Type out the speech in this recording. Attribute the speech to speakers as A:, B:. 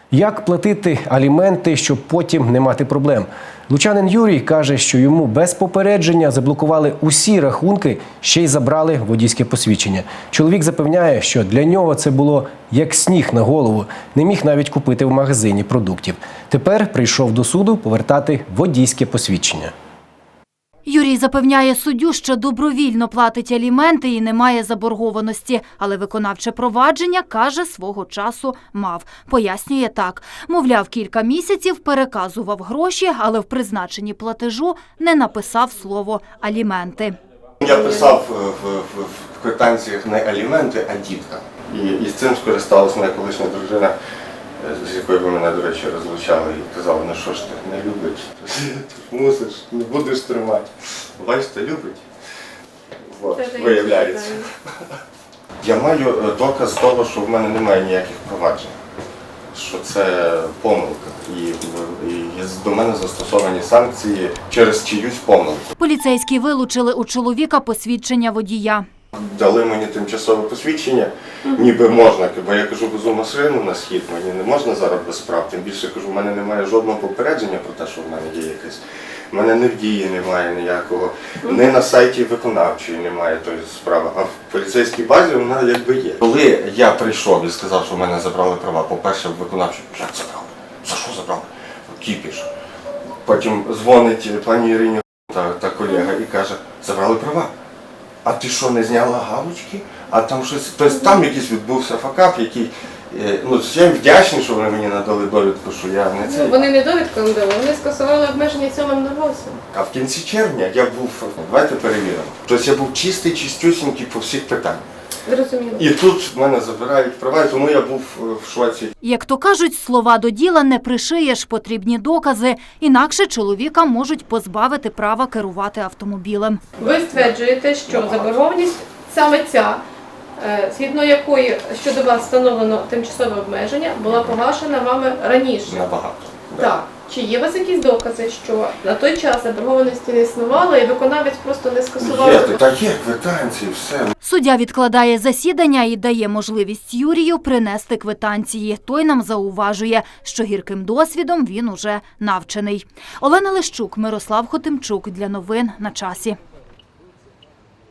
A: Як платити аліменти, щоб потім не мати проблем? Лучанин Юрій каже, що йому без попередження заблокували усі рахунки, ще й забрали водійське посвідчення. Чоловік запевняє, що для нього це було як сніг на голову. Не міг навіть купити в магазині продуктів. Тепер прийшов до суду повертати водійське посвідчення.
B: Юрій запевняє суддю, що добровільно платить аліменти і не має заборгованості. Але виконавче провадження, каже, свого часу мав. Пояснює так. Мовляв, кілька місяців переказував гроші, але в призначенні платежу не написав слово «аліменти».
C: Я писав в квитанціях не аліменти, а дітка. І з цим скористалася моя колишня дружина, з якою ви мене, до речі, розлучали і казали, ну що ж ти, не любить, мусиш, не будеш тримати. Бачите, любить. От, виявляється. Я маю доказ того, що в мене немає ніяких проваджень, що це помилка. І до мене застосовані санкції через чиюсь помилку.
B: Поліцейські вилучили у чоловіка посвідчення водія.
C: Дали мені тимчасове посвідчення, ніби можна, бо я кажу, везу машину на схід, мені не можна зараз без справ. Тим більше, кажу, в мене немає жодного попередження про те, що в мене є якесь. В мене не в дії немає ніякого, не на сайті виконавчої немає тої справи, а в поліцейській базі вона якби є. Коли я прийшов і сказав, що в мене забрали права, по-перше, в виконавчій, як забрали? За що забрали? Кіпіш. Потім дзвонить пані Ірині та колега і каже, забрали права. А ти що, не зняла галочки? А там щось, тобто там якийсь відбувся факап, який, ну, я їм вдячний, що вони мені надали довідку, що я не це.
D: Ну, вони не довідку надали, вони скасували обмеження цілим нагосом.
C: А в кінці червня я був, давайте перевіримо, тобто я був чистий, чистюсінький по всіх питаннях.
D: Зрозуміло.
C: І тут в мене забирають права, і тому я був в шоці.
B: Як то кажуть, слова до діла не пришиєш, потрібні докази. Інакше чоловіка можуть позбавити права керувати автомобілем.
D: Ви стверджуєте, що заборгованість саме ця, згідно якої щодо вас встановлено тимчасове обмеження, була погашена вами раніше.
C: Набагато.
D: Так. Чи є у вас якісь докази, що на той час заборгованості не існувало і виконавець просто не скасував?
C: Є, так є квитанції, все.
B: Суддя відкладає засідання і дає можливість Юрію принести квитанції. Той нам зауважує, що гірким досвідом він уже навчений. Олена Лещук, Мирослав Хотимчук. Для новин на часі.